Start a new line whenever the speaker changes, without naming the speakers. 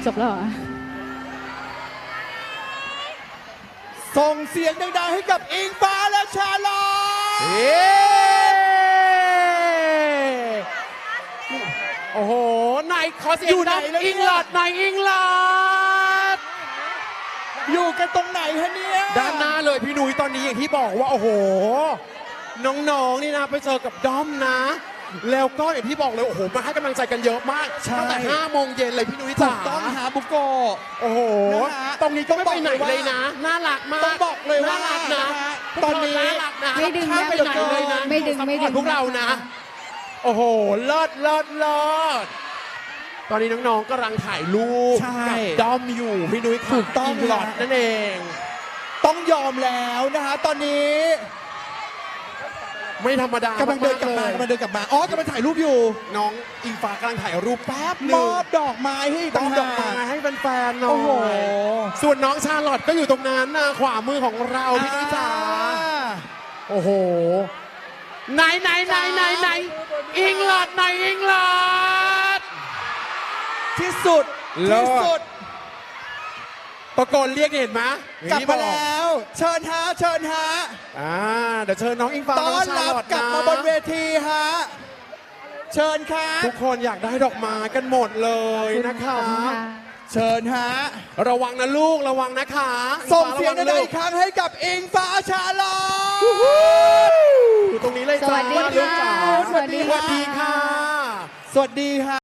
จบแล้วเหรอ
ส่งเสียงดังๆให้กับอิงฟ้าและชาลอต
โอ้โหนายขอเสียงดังอิงลอดนายอิงลอด
อยู่กันตรงไหนฮะเนี่ย
ด้านหน้าเลยพี่นุ้ยตอนนี้อย่างที่บอกว่าโอ้โหน้องๆนี่นะไปเจอกับด้อมนะแล้วก็อย่างที่บอกเลยโอ้โหมาให้กำลังใจกันเยอะมากตั้งแต่5 โมงเย็นเลยพี่นุ้ยจ๋า
ต้องหาบุกโก
โอ้โหตรงนี้ก็ไม่ไปไหนเลยนะน่ารักมาก
ต้องบอกเลยว่า
น่ารักนะ
ตอนนี้
ไม่ดึงนะ
ไปไหนเลยนะ
ไม่ดึง
พวกเรานะโอ้โหเลิศตอนนี้น้องๆกำลังถ่ายรูปกับด้อมอยู่พี่นุ้ย
ถูกต้อง
อิงลอดนั่นเอง
ต้องยอมแล้วนะฮะตอนนี้
ไม่ธรรมดาก
ำลังเดินกลับมากำลังถ่ายรูปอยู่
น้องอิงฟ้ากำลังถ่ายรูปแป๊บนึง
มอบดอกไม้ให้
มอบดอกไม้ให้แฟนๆหน่อย
โอ้โห
ส่วนน้องชาลอตก็อยู่ตรงนั้นนะขวามือของเราพี่นุ้ยจ๋าโอ้โหไหนอิงลอดอิงลอด
ที่สุด
ตะโกนเรียกเห็นไหม
กลับมาแล้วเชิญฮะเ
ดี๋ยวเชิญน้องอิงฟ้า
ต้อนรับกลับมาบนเวทีฮะเชิญครับ
ทุกคนอยากได้ดอกไม้กันหมดเลยนะคะ
เชิญฮะ
ระวังนะลูกระวังนะคะ
ส่งเสียงดังๆอีกครั้งให้กับอิงฟ้าชาลอต
อยู่ตรงนี้เลยจ้า
สวัสดีค่ะ
สวัสดีค่ะ
สวัสดีฮะ